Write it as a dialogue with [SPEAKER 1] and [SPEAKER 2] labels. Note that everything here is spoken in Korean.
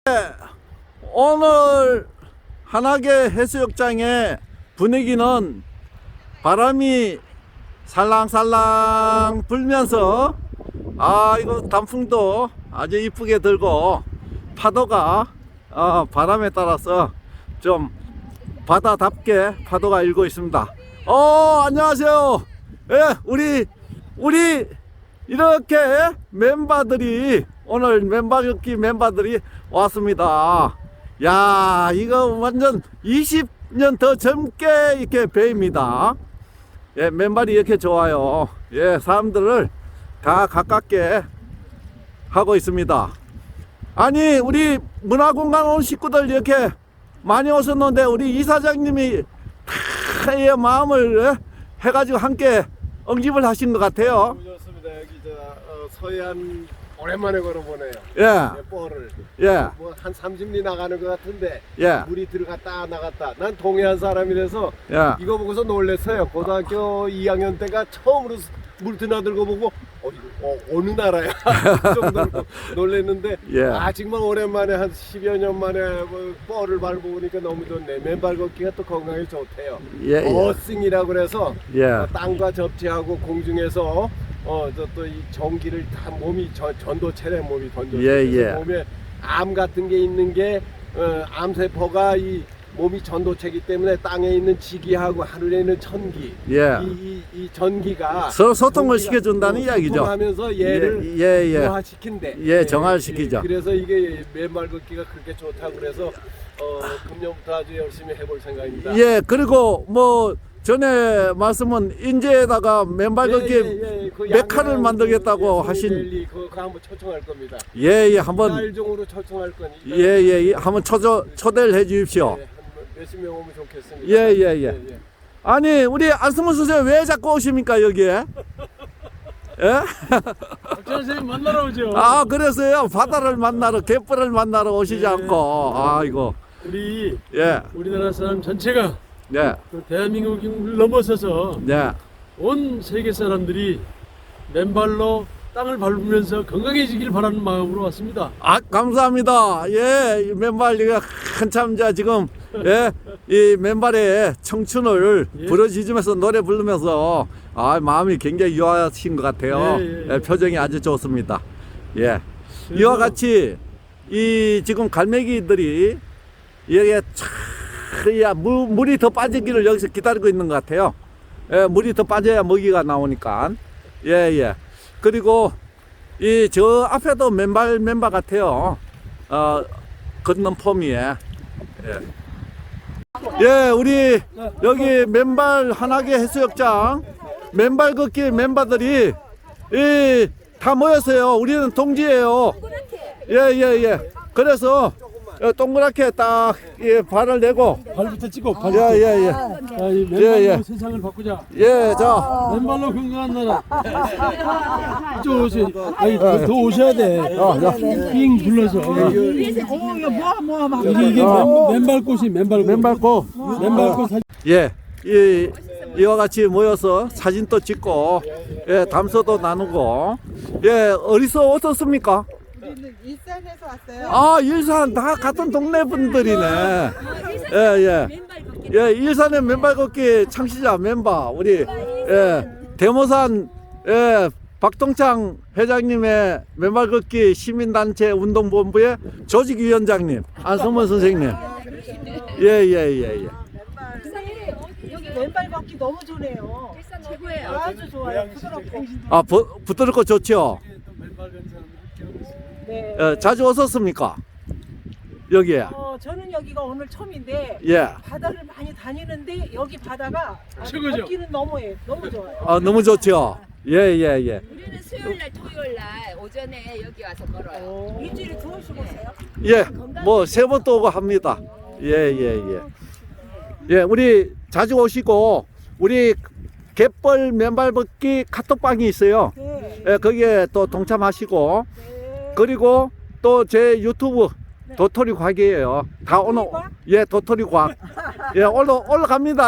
[SPEAKER 1] 오늘 한하계 해수욕장의 분위기는 바람이 살랑살랑 불면서 이거 단풍도 아주 이쁘게 들고 파도가 바람에 따라서 좀 바다답게 파도가 일고 있습니다. 안녕하세요. 예, 우리 이렇게 멤버들이 오늘 멤버격기 멤버들이 왔습니다. 야, 이거 완전 20년 더 젊게 이렇게 배입니다. 예, 맨발이 이렇게 좋아요. 예, 사람들을 다 가깝게 하고 있습니다. 아니, 우리 문화공간 온 식구들 이렇게 많이 오셨는데 우리 이사장님이 다 이 마음을 해가지고 함께 응집을 하신 것 같아요.
[SPEAKER 2] 너무 좋습니다. 여기 서해안 오랜만에 걸어보네요.
[SPEAKER 1] 예.
[SPEAKER 2] 뻘을.
[SPEAKER 1] 예.
[SPEAKER 2] 뭐 한 30리 나가는 것 같은데.
[SPEAKER 1] 예.
[SPEAKER 2] 물이 들어갔다 나갔다. 난 동해안 사람이라서
[SPEAKER 1] 예.
[SPEAKER 2] 이거 보고서 놀랬어요. 고등학교 2학년 때가 처음으로 물 드나들고 보고 이거 어느 나라야? 그 정도로 놀랬는데
[SPEAKER 1] 예.
[SPEAKER 2] 정말 오랜만에 한 10여 년 만에 뭐 뻘을 밟아보니까 너무 좋네. 맨발 걷기가 또 건강에 좋대요.
[SPEAKER 1] 예.
[SPEAKER 2] 어싱이라고 그래서
[SPEAKER 1] 예.
[SPEAKER 2] 땅과 접지하고 공중에서 또 이 전기를 다 몸이 전도체래 몸이 전도체.
[SPEAKER 1] 예.
[SPEAKER 2] 몸에 암 같은 게 있는 게 암세포가 이 몸이 전도체이기 때문에 땅에 있는 지기하고 하늘에 있는 천기,
[SPEAKER 1] 예.
[SPEAKER 2] 이 전기가
[SPEAKER 1] 서로 소통을 시켜준다는 이야기죠.
[SPEAKER 2] 하면서 얘를
[SPEAKER 1] 예.
[SPEAKER 2] 정화시킨대.
[SPEAKER 1] 예, 정화시키죠.
[SPEAKER 2] 그래서 이게 맨발 걷기가 그렇게 좋다고 그래서 금년부터 아주 열심히 해볼 생각입니다.
[SPEAKER 1] 예, 그리고 뭐 전에 말씀은 인제에다가 맨발 걷기
[SPEAKER 2] 그
[SPEAKER 1] 메카를 만들겠다고 하신.
[SPEAKER 2] 랠리 그거 한번 초청할 겁니다.
[SPEAKER 1] 예, 한번.
[SPEAKER 2] 날종으로 초청할 거니까.
[SPEAKER 1] 예, 한번 초대를 해 주십시오.
[SPEAKER 2] 한 몇십 명 오면 좋겠습니다.
[SPEAKER 1] 예. 아니, 우리 안승문 선생님 왜 자꾸 오십니까, 여기에? 예?
[SPEAKER 3] 선생님 만나러 오죠.
[SPEAKER 1] 그래서요. 바다를 만나러, 갯벌을 만나러 오시지 않고. 아이고.
[SPEAKER 3] 우리
[SPEAKER 1] 예.
[SPEAKER 3] 우리나라 사람 전체가
[SPEAKER 1] 예.
[SPEAKER 3] 그 대한민국을 넘어서서
[SPEAKER 1] 예.
[SPEAKER 3] 온 세계 사람들이 맨발로 땅을 밟으면서 건강해지길 바라는 마음으로 왔습니다.
[SPEAKER 1] 감사합니다. 예, 이 맨발, 이거 한참 지금, 예, 이 맨발의 청춘을
[SPEAKER 3] 예.
[SPEAKER 1] 부르짖으면서 노래 부르면서, 마음이 굉장히 유하신 것 같아요.
[SPEAKER 3] 예.
[SPEAKER 1] 표정이 아주 좋습니다. 예. 이와 같이, 지금 갈매기들이, 여기에 물이 더 빠지기를 여기서 기다리고 있는 것 같아요. 예, 물이 더 빠져야 먹이가 나오니까. 예. 그리고 저 앞에도 맨발 같아요. 걷는 폼이에. 예, 우리 여기 맨발 한하계 해수욕장 맨발 걷기 멤버들이 다 모였어요. 우리는 동지예요. 예. 그래서 동그랗게 딱 발을 내고.
[SPEAKER 3] 발부터 찍고
[SPEAKER 1] 예.
[SPEAKER 3] 맨발로 세상을 바꾸자.
[SPEAKER 1] 예, 자.
[SPEAKER 3] 맨발로 건강한 나라. 이쪽 오세요. 더 오셔야 돼. 삥 불러서. 이게 맨발꽃이 맨발꽃. 맨발꽃 사진.
[SPEAKER 1] 예, 이와 같이 모여서 사진도 찍고, 예, 담소도 나누고, 예, 어디서 오셨습니까?
[SPEAKER 4] 우리는 일산에서 왔어요.
[SPEAKER 1] 일산 다 같은 동네 분들이네. 예. 일산의 맨발 걷기 창시자 멤버 우리 대모산 박동창 회장님의 맨발 걷기 시민단체 운동본부의 조직위원장님 안성문 선생님. 예.
[SPEAKER 4] 맨발 걷기 너무 좋네요.
[SPEAKER 5] 최고예요.
[SPEAKER 4] 아주 좋아요. 부드럽고.
[SPEAKER 1] 부드럽고 좋죠.
[SPEAKER 4] 네.
[SPEAKER 1] 자주 오셨습니까? 여기에.
[SPEAKER 4] 저는 여기가 오늘 처음인데
[SPEAKER 1] 예.
[SPEAKER 4] 바다를 많이 다니는데 여기 바다가
[SPEAKER 3] 최고죠.
[SPEAKER 4] 걷기는 너무 좋아요.
[SPEAKER 1] 너무 좋죠. 예.
[SPEAKER 5] 우리는 수요일날 토요일날 오전에 여기 와서 걸어요.
[SPEAKER 4] 일주일에 두 번씩 오세요?
[SPEAKER 1] 예, 뭐 세 번 또 오고 합니다. 예. 우리 자주 오시고 우리 갯벌 맨발 걷기 카톡방이 있어요.
[SPEAKER 4] 네.
[SPEAKER 1] 예, 거기에 또 동참하시고
[SPEAKER 4] 네.
[SPEAKER 1] 그리고 또 제 유튜브 도토리 과학이에요. 다 오늘
[SPEAKER 4] 도토리 과학?
[SPEAKER 1] 예, 도토리 과학. 예, 올라갑니다.